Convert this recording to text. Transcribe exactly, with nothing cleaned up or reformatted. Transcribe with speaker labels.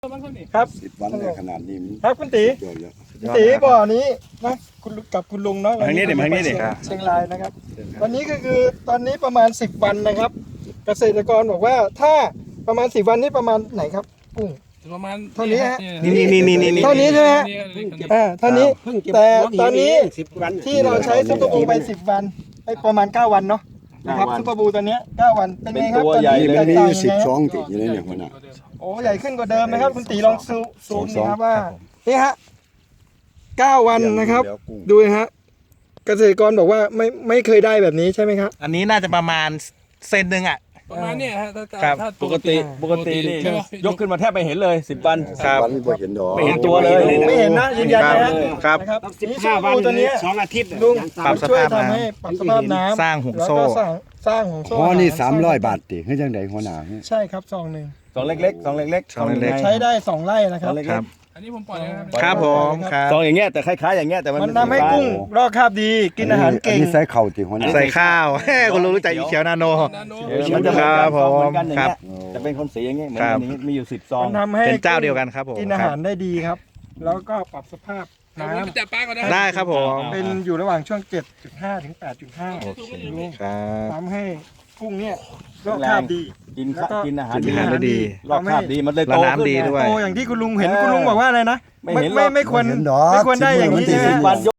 Speaker 1: ครับ
Speaker 2: สิบวันเนี่ยขนาดนี้มัน
Speaker 1: ครับคุณตี
Speaker 2: เกินแล้ว
Speaker 1: คุณตีบ่อนี้นะคุณลุงกับคุณลุงเนาะ
Speaker 3: ทางนี้ดิทางนี้ดิ
Speaker 1: เชียงรายนะครับวันนี้ก็คือตอนนี้ประมาณสิบวันนะครับ เกษตรกรบอกว่าถ้าประมาณสิบวันนี้ประมาณไหนครับกุ้ง
Speaker 4: ประมาณ
Speaker 1: เท่านี้ฮะ
Speaker 3: นี่นี่นี่นี่นี่
Speaker 1: เท่านี้ใช่ไหมฮะอ่าเท่านี้
Speaker 2: เพิ่งเก็บ
Speaker 1: แต่ตอนนี้
Speaker 2: สิบวัน
Speaker 1: ที่เราใช้ซุปเปอร์บูไปสิบวันไปประมาณเก้าวันเนาะนะครับ
Speaker 2: เก้าวัน
Speaker 1: ซุปเปอร์บูตัวเนี้ยเก้าวันเป็นไงครับ
Speaker 3: เป็นตัว
Speaker 1: ตอน
Speaker 3: ใหญ่
Speaker 1: นี้
Speaker 2: นี่
Speaker 1: แต
Speaker 2: มัน
Speaker 1: ก
Speaker 2: มี
Speaker 1: ต่าง
Speaker 2: สิบ
Speaker 1: ยังไง
Speaker 2: สองติดอยู่ในเนี่ยคนน่ะ
Speaker 1: โอ้ใหญ่ขึ้นกว่าเดิมนะครับคุณตีลองซูซูม
Speaker 2: สอง
Speaker 1: นะครับว่านี่ฮะเก้าวันนะครับ
Speaker 2: เดี๋ยวกุ้ง
Speaker 1: ดูนะฮะเกษตรกรบอกว่าไม่ไม่เคยได้แบบนี้ใช่ไหมครับ
Speaker 3: อันนี้น่าจะประมาณเซนหนึ่งอ่ะ
Speaker 4: ประมาณเนี้ยฮะถ้า
Speaker 3: ครับ
Speaker 4: ถ้า
Speaker 5: ปกติปกตินี่
Speaker 4: ใช่ไหม
Speaker 5: ยกขึ้นมาแทบไม่เห็นเลยสิบวัน
Speaker 3: ครับ
Speaker 2: วันนี้บ่เห็นดอก
Speaker 5: ไม่เห็นตัวเลย
Speaker 1: ไม่เห็นนะยืนยันนะฮะ
Speaker 3: ครับ
Speaker 1: นะครับนี่ซุปเปอร์บูตัวเนี้ย
Speaker 2: สองอาทิตย์
Speaker 1: ลุง
Speaker 3: ปรับส
Speaker 1: ช่วย
Speaker 3: ภาพ
Speaker 1: ทำ
Speaker 3: น้ำ
Speaker 1: ให้ปรับสภาพน้ำ
Speaker 3: สร้างห่วงโซ่
Speaker 1: แล้วก็สร้างสร้างห่วงโซ่
Speaker 2: อ๋อนี่
Speaker 1: ห
Speaker 2: สามร้อยบาทติให้จังไดหัวหน้า
Speaker 1: ใช่ครับซองหนึ่ง
Speaker 5: สองเล็กๆสองเล็กๆ
Speaker 3: สองเล็กๆ
Speaker 1: ใช้ได้สองไร่นะค
Speaker 5: ส
Speaker 1: รั
Speaker 5: อบ งเล็ก
Speaker 3: ครับ
Speaker 4: อันนี้ผมปล่อยนะครับ
Speaker 3: ครับผมครับ
Speaker 5: ๆสองอย่างเงี้ยแต่คล้ายๆอย่างเงี้ยแต่มัน
Speaker 1: มันทำให้กุ้งรอกคราบดีกินอาหารเก่ง
Speaker 2: อันนี้ใส่เข่าติหัวหน้า
Speaker 3: ใส่ข้าว คุณลุงรู้จักอีเขียวนาโน
Speaker 4: นาโน
Speaker 5: เออมันจะ
Speaker 3: ครับ
Speaker 5: เหมือนกัน
Speaker 3: ผม
Speaker 5: เหมือนกันอย่าง
Speaker 3: ครั
Speaker 5: เงี้
Speaker 3: บ
Speaker 5: ยจะเป็นคนสีอย่างเงี้ยเหมือน
Speaker 3: ครับ
Speaker 5: อันนี้มีอยู่สิบซอง
Speaker 1: มันทำให้
Speaker 3: เป็นเจ้าเดียวกันครับผม
Speaker 1: กินอาหารได้ดีครับ แล้วก็ปรับสภาพ
Speaker 4: น้
Speaker 1: น้
Speaker 4: ำจับปลาก่อนนะ
Speaker 3: ได้ครับผม
Speaker 1: ำเป็นอยู่ระหว่างช่วง เจ็ดจุดห้า ถึง แปดจุดห้า
Speaker 3: ครับ
Speaker 1: ทำให้กุ้งเนี่ยรอกคราบดี
Speaker 5: กิน
Speaker 1: แล้วก็
Speaker 5: กินอาหาร
Speaker 3: กินอาหารได้ดี
Speaker 5: รอบคาบดีมันเลย
Speaker 3: และ
Speaker 5: โต
Speaker 3: น้ำ
Speaker 5: ขึ้น
Speaker 3: ดี
Speaker 5: ไง
Speaker 3: ด้วย
Speaker 1: โตอย่างที่คุณลุงเห็นคุณลุงบอกว่าอะไรนะ
Speaker 5: ไม่เห็นหรอก
Speaker 1: ไม่ไม่ควร
Speaker 2: เห็นดอก
Speaker 1: ไม่ควรได้อย่างนี้
Speaker 2: สิบ
Speaker 1: ใช่ไหม
Speaker 2: วัน